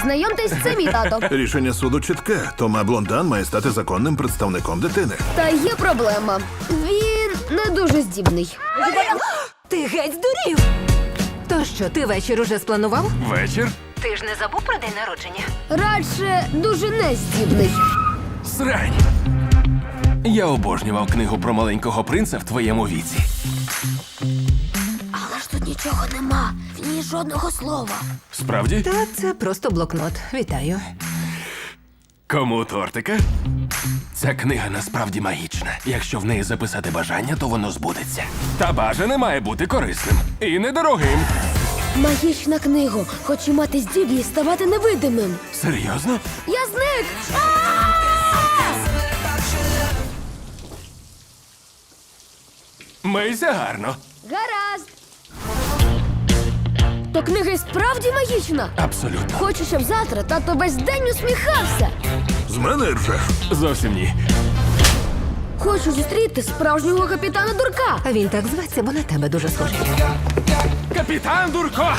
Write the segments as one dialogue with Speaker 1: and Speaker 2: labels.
Speaker 1: Знайомтесь, це мій тато.
Speaker 2: Рішення суду чітке. Тома Блондан має стати законним представником дитини.
Speaker 1: Та є проблема. Він не дуже здібний.
Speaker 3: Ти геть здурів! То що, ти вечір уже спланував?
Speaker 4: Вечір?
Speaker 3: Ти ж не забув про день народження?
Speaker 1: Радше дуже нездібний.
Speaker 4: Срань. Я обожнював книгу про маленького принца в твоєму віці.
Speaker 1: Але ж тут нічого нема. В ній жодного слова.
Speaker 4: Справді?
Speaker 3: Та це просто блокнот. Вітаю.
Speaker 4: Кому тортика? Ця книга насправді магічна. Якщо в неї записати бажання, то воно збудеться. Та бажане має бути корисним і недорогим.
Speaker 1: Магічна книга. Хочу мати здібність ставати невидимим.
Speaker 4: Серйозно?
Speaker 1: Я зник!
Speaker 4: Мийся гарно.
Speaker 1: Гаразд. То книга і справді магічна.
Speaker 4: Абсолютно.
Speaker 1: Хочу, щоб завтра тато весь день усміхався.
Speaker 2: З мене ржеш.
Speaker 4: Зовсім ні.
Speaker 1: Хочу зустріти справжнього капітана Дурка.
Speaker 3: А він так зветься, бо на тебе дуже схожий.
Speaker 4: Капітан Дурко!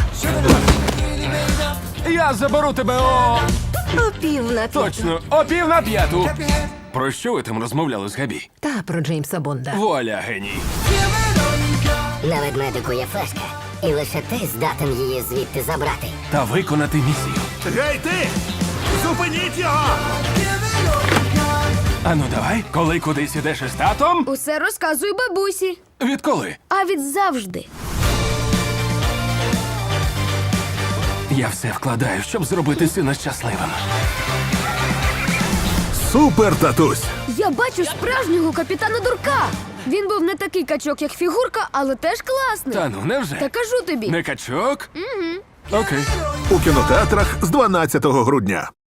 Speaker 4: Я заберу тебе о...
Speaker 3: О пів на п'яту.
Speaker 4: Точно, о 4:45. Про що ви там розмовляли з Габі?
Speaker 3: Та про Джеймса Бонда.
Speaker 4: Вуаля, геній.
Speaker 5: На ведмедику є флешка, і лише ти здатен її звідти забрати.
Speaker 4: Та виконати місію.
Speaker 2: Гей, ти! Зупиніть його!
Speaker 4: Ану давай, коли кудись ідеш із татом?
Speaker 1: Усе розказую бабусі.
Speaker 4: Відколи?
Speaker 1: А від завжди.
Speaker 4: Я все вкладаю, щоб зробити сина щасливим.
Speaker 2: Супер, татусь!
Speaker 1: Я бачу справжнього капітана Дурка. Він був не такий качок, як фігурка, але теж класний.
Speaker 4: Та ну, невже?
Speaker 1: Та кажу тобі.
Speaker 4: Не качок? Угу. Окей.
Speaker 2: У кінотеатрах з 12 грудня.